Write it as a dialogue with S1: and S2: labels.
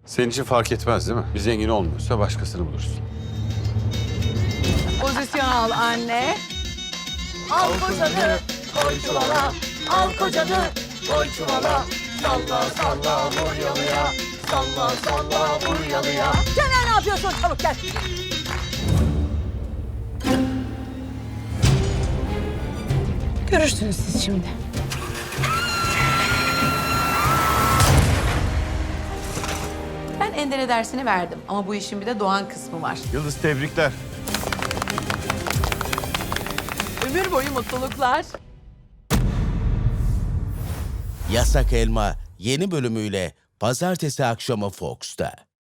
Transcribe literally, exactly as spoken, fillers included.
S1: Senin için fark etmez değil mi? Bir zengin olmuyorsa başkasını buluruz.
S2: Pozisyon al anne.
S3: Al kocanı koy çuvala, al kocanı koy çuvala. Salla salla vur yalıya, salla salla vur yalıya. Caner ne yapıyorsun? Çabuk gel.
S2: Görürsünüz siz şimdi. Ben Ender'e dersini verdim ama bu işin bir de Doğan kısmı var.
S1: Yıldız tebrikler.
S2: Ömür boyu mutluluklar.
S4: Yasak Elma yeni bölümüyle pazartesi akşamı Fox'ta.